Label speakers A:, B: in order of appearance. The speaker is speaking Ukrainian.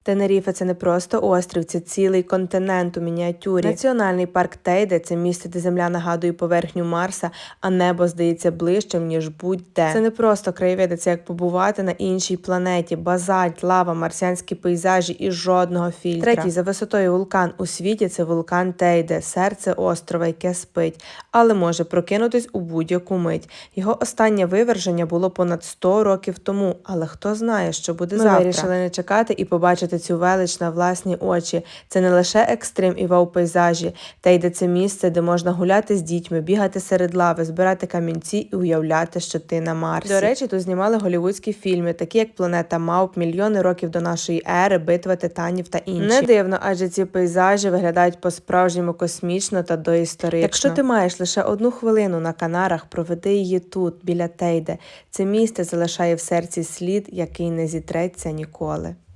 A: Тенеріфе – це не просто острів, це цілий континент у мініатюрі. Національний парк Тейде – це місце, де земля нагадує поверхню Марса, а небо здається ближчим, ніж будь-де. Це не просто краєвиди, це як побувати на іншій планеті. Базальт, лава, марсіанські пейзажі і жодного фільтра. Третій за висотою вулкан у світі – це вулкан Тейде, серце острова, яке спить, але може прокинутись у будь-яку мить. Його останнє виверження було понад 100 років тому, але хто знає, що буде завтра. Ми вирішили не чекати і побачити цю велич на власні очі. Це не лише екстрим і вау-пейзажі. Тейде – це місце, де можна гуляти з дітьми, бігати серед лави, збирати камінці і уявляти, що ти на Марсі. До речі, тут знімали голівудські фільми, такі як «Планета мавп», «Мільйони років до нашої ери», «Битва титанів» та інші. Не дивно, адже ці пейзажі виглядають по-справжньому космічно та доісторично. Якщо ти маєш лише 1 хвилину на Канарах, проведи її тут, біля Тейде. Це місце залишає в серці слід, який не зітреться ніколи.